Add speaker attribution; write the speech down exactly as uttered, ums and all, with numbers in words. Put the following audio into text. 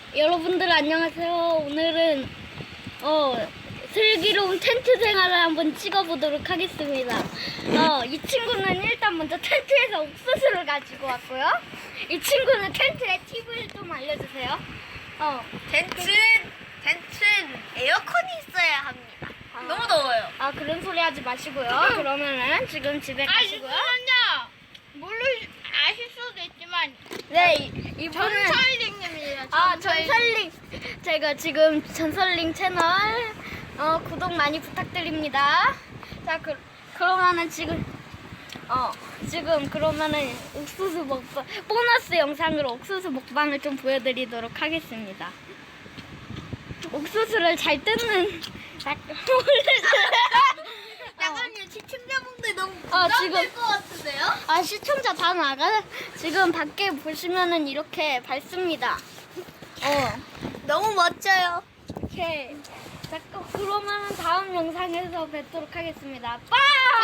Speaker 1: 여러분들 안녕하세요. 오늘은 어 슬기로운 텐트 생활을 한번 찍어보도록 하겠습니다. 어, 이 친구는 일단 먼저 텐트에서 옥수수를 가지고 왔고요. 이 친구는 텐트의 팁을 좀 알려주세요. 어,
Speaker 2: 텐트, 텐트는 에어컨이 있어야 합니다.
Speaker 1: 아.
Speaker 2: 너무 더워요.
Speaker 1: 아 그런 소리 하지 마시고요. 그러면은 지금 집에 가시고요.
Speaker 2: 물론 아실 수도 있지만
Speaker 1: 네, 이- 이분은
Speaker 2: 전설링님이에요.
Speaker 1: 아 전설링 제가 지금 전설링 채널 어, 구독 많이 부탁드립니다. 자 그, 그러면은 지금 어 지금 그러면은 옥수수 먹방 보너스 영상으로 옥수수 먹방을 좀 보여드리도록 하겠습니다. 옥수수를 잘 뜯는
Speaker 2: 약간 시청자분들 너무
Speaker 1: 어,
Speaker 2: 부담될
Speaker 1: 지금-
Speaker 2: 것 같은데요?
Speaker 1: 아 시청자 다 나가 지금 밖에 보시면은 이렇게 밝습니다. 어.
Speaker 2: 너무 멋져요.
Speaker 1: 오케이. 자, 그- 그러면은 다음 영상에서 뵙도록 하겠습니다. 빠이!